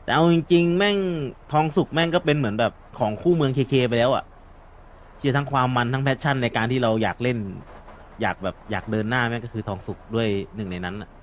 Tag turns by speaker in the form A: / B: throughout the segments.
A: แต่เอาจริงๆแม่งทองสุกแม่งก็เป็นเหมือนแบบของคู่เมืองเคไปแล้วอ่ะที่ทั้งความมันทั้งแพชชั่นในการที่เราอยากเล่นอยากแบบอยากเดินหน้าแม่งก็คือทองสุกด้วยหนึ่งในนั้นอ่ะ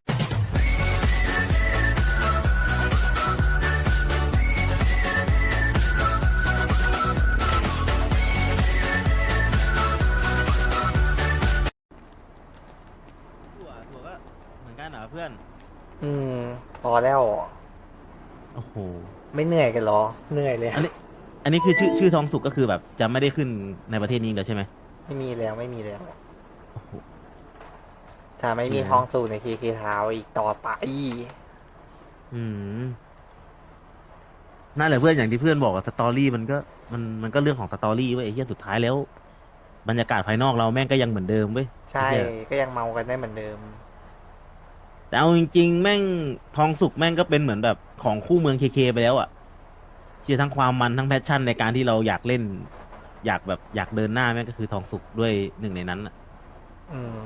A: ถั่วก็เหมือนกันเหรอเพื่อน
B: อืมพอแล้ว
A: โอ้โห
B: ไม่เหนื่อยกันเหรอเหนื่อยเลย
A: อันนี้อันนี้คือชื่อทองสุกก็คือแบบจะไม่ได้ขึ้นในประเทศนี้แล้วใช่ไหม
B: ไม่มีแล้วไม่มีแล้ว
A: โอ้โห
B: ถ้าไม่มี
A: เหี้ย
B: ท้องสู่ในเคเคเท้าอีกต่อไป
A: อืมนั่นแหละเพื่อนอย่างที่เพื่อนบอกอะสตอรี่มันก็เรื่องของสตอรี่เว้ยไอ้เหี้ยสุดท้ายแล้วบรรยากาศภายนอกเราแม่งก็ยังเหมือนเดิมเว้ยไอ้
B: ใช่
A: เหี้ย
B: ก็ยังเมากันได้เหมือนเดิม
A: แต่เอาจริงๆแม่งทองสุกแม่งก็เป็นเหมือนแบบของคู่เมืองเคไปแล้วอ่ะที่ทั้งความมันทั้งแพชชั่นในการที่เราอยากเล่นอยากแบบอยากเดินหน้าแม่งก็คือทองสุกด้วยหนึ่งในนั้นอ่ะ
B: อืม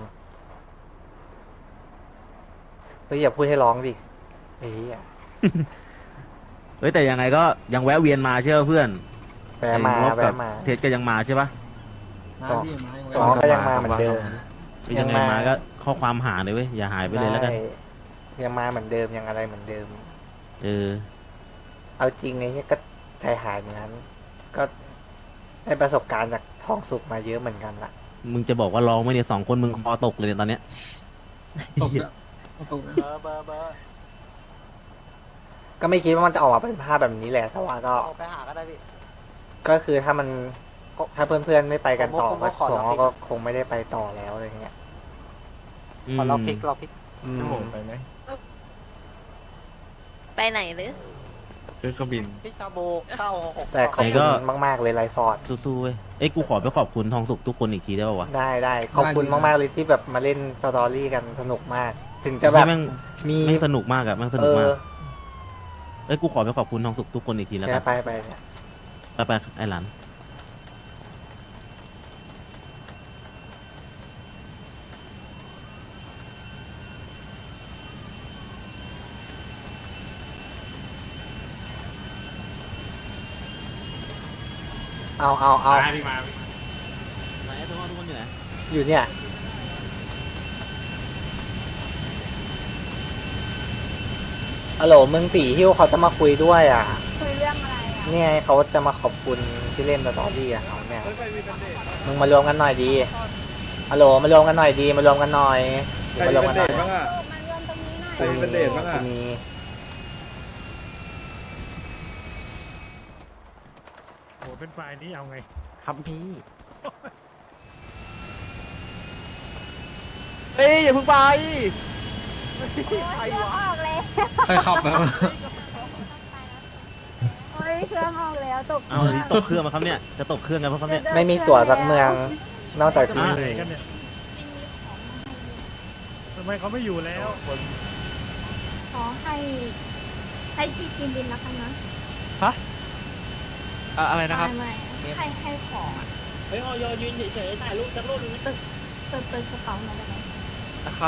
B: เฮ้ยอย่าพูดให้ร้องดิเฮ้ย
A: เฮ้ยแต่ยังไงก็ยังแวะเวียนมาใช่ป่ะเพื่อนไอ้
B: แวะมา
A: งบกับ
B: แวะมา
A: เทสก็ยังมาใช่ป่ะ
B: สองสองก็ยังมาเหมือนเดิม
A: ก็ยังไง
B: ยังมา
A: มาก็ข้อความหาเลยเว้ยอย่าหายไปเลย
B: ได้
A: แล้วกัน
B: ยังมาเหมือนเดิมยังอะไรเหมือนเดิม
A: เออ
B: เอาจริงไอ้เหี้ยก็ใจหายเหมือนกันก็ได้ประสบการณ์จากท้องสุกมาเยอะเหมือนกันล่ะ
A: มึงจะบอกว่าร้องไหมเนี่ย2 คนมึงคอตกเลยเนี่ยตอนเนี้ย
C: ตกแล้วตกแล้ว
B: ก็ไม่คิดว่ามันจะออกมาเป็นภาพแบบนี้แหละแต่ว่าก็
D: ไปหาก็ได้พี่
B: ก็คือถ้ามันถ้าเพื่อนๆไม่ไปกันต่อ
D: ผมก็ขอ
B: ก็
D: ล็อก
B: ก็คงไม่ได้ไปต่อแล้วอะไรเงี้ย
A: อืม
D: ขอเราพลิกเราพลิก
B: อืม
C: จะโหมไปไหม
E: ไปไหนหรือ
C: คือเครื่องบิน
D: พี่ชาโบ966
B: แต่ขอบคุณมากๆเลยไลฟ์ฟอร์ด
A: สู้ๆเว้ยเอ้ยกูขอไปขอบคุณทองสุกทุกคนอีกทีได้ป่าวะ
B: ได้ขอบคุณมากๆเลยที่แบบมาเล่นสตอรี่กันสนุกมาก ถึงจะ
A: จะ
B: แบ
A: แบบ บ
B: มี
A: แม่งสนุกมากอะแม่งส
B: เอ
A: นุกมา
B: อก
A: เอ้ยกูขอไปขอบคุณทองสุกทุกคนอีกทีแล้วกัน
B: ไปเนี่ย
A: ไปไอ้หลาน
B: เอา
A: ไหนทุกคนอยู่ไหน
B: อยู่เนี่ยฮัลโหลมึงตีฮิวเขาจะมาคุยด้วยอ่ะ
E: คุยเรื่องอะไรอ่ะ
B: เนี่ยเขาจะมาขอบคุณที่เล่นสตอรี่กับเขาเนี่ยมึงมารวมกันหน่อยดีฮัลโหลมารวมกันหน่อยดีมารวมกันหน่อยมารวมกันหน่อย
E: มารวมตรงนี้หน่อย
B: ใครเป็นเดทบ้างอ่ะมี
F: โหเป็นไฟล์นี้เอาไง
A: ครับพี่
D: เฮ้ยอย่าเพิ่งไป
E: เครื่องออกแล้ว
C: ใครขับนะ
E: โอ้ยเครื่องออกแล้วตก
A: เอานี่ตกเครื่องมาครับเนี่ยจะตกเครื่องกันเพราะครับเนี่ย
B: ไม่มีตั๋วสักเมือง นอกจากที่
F: ไหน
B: นี่
F: กันเนี่ยทำไมเขาไม่อยู่แล้ว
E: ขอให้พี่กินดินแล้วกันนะ
C: อะไรนะครับ
E: ไม่ให้ของอ่ะ
D: เฮ้ยออยยืนเฉยๆถ่ายรูปสักรูปนึง
E: เปิดกระเป๋ามาได้ไหม
C: นะครับ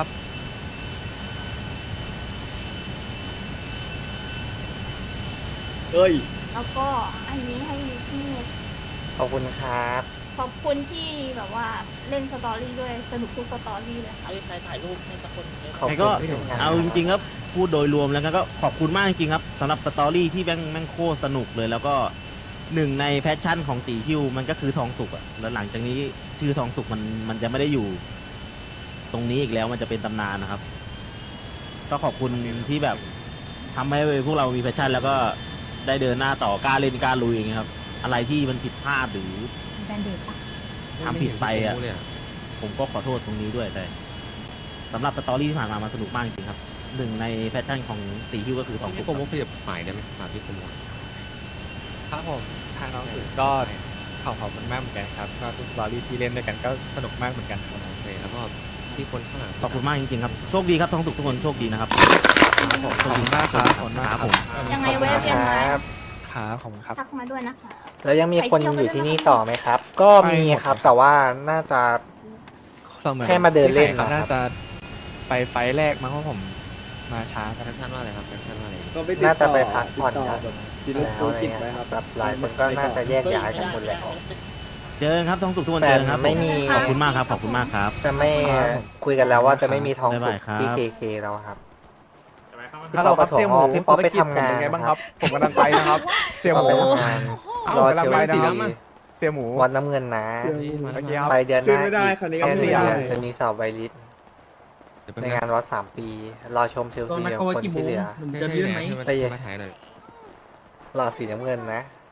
D: เฮ้ย
E: แล้วก็อันนี้ให้พี่
B: ขอบคุณครับ
E: ขอบคุณที่แบบว่าเล่นสตอรี่ด้วยสนุกทุกสตอรี่เลยค่ะ
D: ไอ้ใครถ่ายรูปให้สักคนเลย
B: ขอบ
A: ไอ้
B: คุ
A: ก็
B: ณที่ทำงาน
A: เอาจริงๆครับพูดโดยรวมแล้วก็ขอบคุณมากจริงๆครับสำหรับสตอรี่ที่แม่งโคตรสนุกเลยแล้วก็หนึ่งในแพชชั่นของตีฮิวมันก็คือทองสุกอะแล้วหลังจากนี้ชื่อทองสุกมันจะไม่ได้อยู่ ตรงนี้อีกแล้วมันจะเป็นตำนานนะครับ ก็ขอบคุณที่แบบทำให้พวกเรามีแพชชั่น แล้วก็ได้เดินหน้าต่อกล้าเล่นกล้าลุยอย่างเงี้ยครับ อะไรที่มันผิดพลาดหรือ
E: แบนเดดปะ
A: ทำผิดไปอ่ะ ผมก็ขอโทษตรงนี้ด้วยแต่สำหรับสตอรี่ที่ผ่านมามันสนุกมากจริงๆครับหนึ่งในแพชชั่นของตีฮิวก็คือทองสุ
C: พี่
A: ก
C: โปรโมทขยับหมายได้ไหมถามพี่โปรโมท
G: ครับผมทางน้องสื่อก็ขอบคุณมากเหมือนกันครับก็ทุกสตอรี่ที่เล่นด้วยกันก็สนุกมากเหมือนกันครับ
C: โอเคแล้วก็ที่คนข้างหลัง
A: ขอบคุณมากจริงๆครับโชคดีครับทองสุกทุกคนโชคดีนะครับ
G: ขอบคุณมากครับขอบคุณมาก
A: ครับผม
E: ยังไง
B: ขอบคุณ
E: แวะเวียน
B: ค
E: มา
B: รับ
G: ครับขอบคุณครับ
E: ทักมาด้วยนะคะ
B: แล้วยังมีคนอยู่ที่นี่ต่อไหมครับ ก็มีครับแต่ว่าน่าจะ
G: เราเหมือน
B: แค่มาเดินเล่น
G: ที่ไหครับ
B: นะครับ
G: น่าจะไปไฟล์แรกมั้งเพราะผมมาช้ากัน
C: แคปชั่นว่าอะไรครับแคปชั่นว่าอะไร
B: น่าจะไปพักผ่อนกันแล้วอะไรเงี้ยแบบหลายคนก็น่าจะแยกย้ายกันหมดแล้ว
A: เจอกันครับทองสุกทุกวัน
B: แต่
A: เจอกันครับ
B: ไม่มี
A: ขอบคุณมากครับขอบคุณมากครับ
B: จะไม่คุยกันแล้วว่าจะไม่มีทอง
A: บ๊าย
B: สุ
A: บาก ยครับ
B: ที่เคแล้วครับ
H: ฮัลโหลครับ
B: พี่
H: เสี่ยห
B: ป๊
H: มู
B: อปพี่ป๊อปไป
H: ธุรกิจ
B: ทำงาน
H: เป็นยังไงบ้าง
B: นะ
H: ค
B: ครั
H: รับ บ ผมกำลังไปนะครับ เสี่ยห
B: ป๊อป
H: มู
B: ไปทำงานรอเชล
H: ไป
B: ซี
H: เสี่ยหมู
B: วันน้ำเงินนะ
C: เฮ้ยมา
H: โอเค
C: แล้ว
H: ครับ
B: ไปเดือนหน้า
H: ขึ้นไม่ได้
B: อีก
H: คันนี้
B: แค่
H: ก็ไม่
B: เดือน
H: ได้
B: จะมีสอบไวริส
C: เดี๋ยวไป
B: ในงานวัด3 ปี รอชมเชลซีกับคนที่เหลือ
C: ให้ให้ให้มาถ่ายหน่อย
B: รอสีน้ำเงินนะ